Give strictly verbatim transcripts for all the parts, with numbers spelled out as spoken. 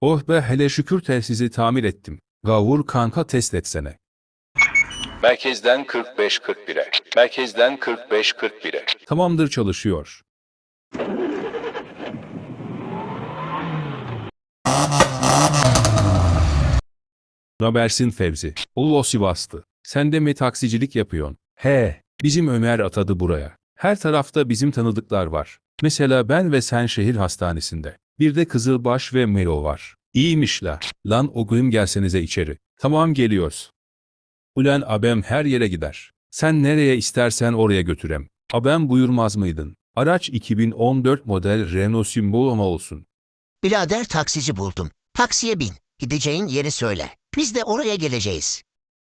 Oh be, hele şükür telsizi tamir ettim. Gavur kanka, test etsene. Merkezden kırk beş kırk bire. Merkezden kırk beş kırk bire. Tamamdır, çalışıyor. Nabersin Fevzi? Ulu Sivaslı. Sen de mi taksicilik yapıyorsun? He, bizim Ömer atadı buraya. Her tarafta bizim tanıdıklar var. Mesela ben ve sen şehir hastanesinde. Bir de Kızılbaş ve Melo var. İyiymiş la. Lan o gün gelsenize içeri. Tamam, geliyoruz. Ulan abem her yere gider. Sen nereye istersen oraya götürem. Abem buyurmaz mıydın? Araç iki bin on dört model Renault Symbol ama olsun. Birader, taksici buldum. Taksiye bin. Gideceğin yeri söyle. Biz de oraya geleceğiz.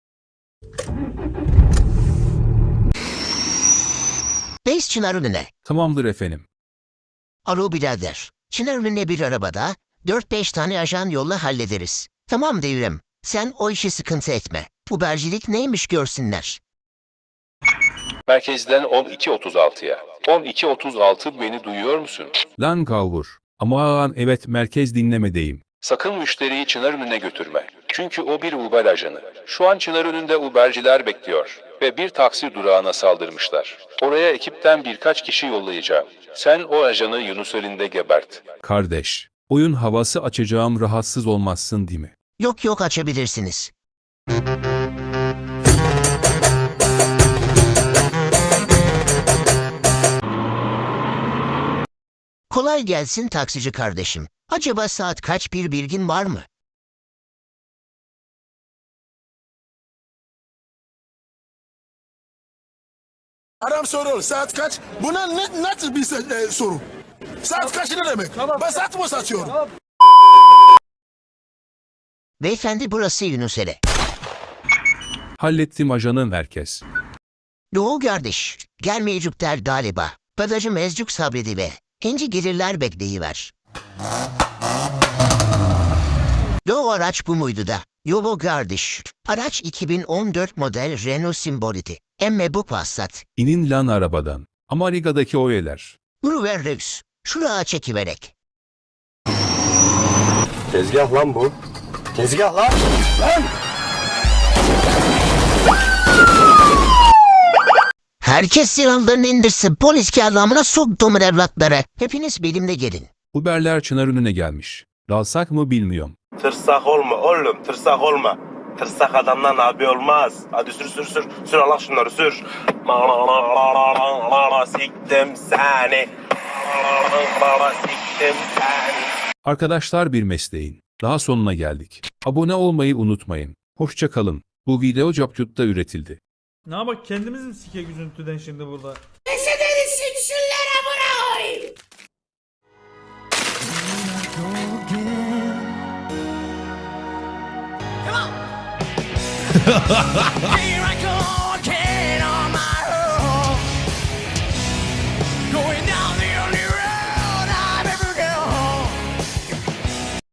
Beş Çınarönü'ne. Tamamdır efendim. Alo birader. Çınarönü'ne bir arabada dört beş tane ajan yolla, hallederiz. Tamam devrim. Sen o işi sıkıntı etme. Ubercilik neymiş görsünler. Merkezden on iki otuz altıya. on iki otuz altı, beni duyuyor musun? Lan Gavur. Aman evet, merkez dinlemedeyim. Sakın müşteriyi Çınarönü'ne götürme. Çünkü o bir Uber ajanı. Şu an Çınarönü'nde Uberciler bekliyor. Ve bir taksi durağına saldırmışlar. Oraya ekipten birkaç kişi yollayacağım. Sen o ajanı Yunuseli'nde gebert. Kardeş, oyun havası açacağım, rahatsız olmazsın değil mi? Yok yok, açabilirsiniz. Kolay gelsin taksici kardeşim. Acaba saat kaç, bir bilgin var mı? Adam soruyor saat kaç? Buna ne, nasıl bir se- e, soru? Saat kaç ne demek? Ben saat mı satıyorum? Beyefendi, burası Yunuseli. Hallettim ajanın merkez. Doğu kardeş, gelmeyecekler galiba. Badacı mezcuk sabrediver. İnci gelirler, bekleyiver. Doğu araç bu muydu da? Yobo kardeş. Araç iki bin on dört model Renault Symbol'di. Emme bu Passat. İnin lan arabadan. Amerika'daki oyeler. Uruver Reus. Şuraya çekiverek. Tezgah lan bu. Tezgah lan. Lan! Herkes silahlarını indirsin. Polis kağıdamına soktumun evlatları. Hepiniz benimle gelin. Uberler Çınarönü'ne gelmiş. Dalsak mı bilmiyorum. Tırsak olma oğlum, tırsak olma. Tırsak adamdan abi olmaz. Hadi sür sür sür. Sür Allah şunları sür. Siktim seni. Siktim seni. Arkadaşlar, bir mesleğin daha sonuna geldik. Abone olmayı unutmayın. Hoşça kalın. Bu video Capcut'ta üretildi. Ne yapak, kendimiz mi sike üzüntüden şimdi burada? Here I come.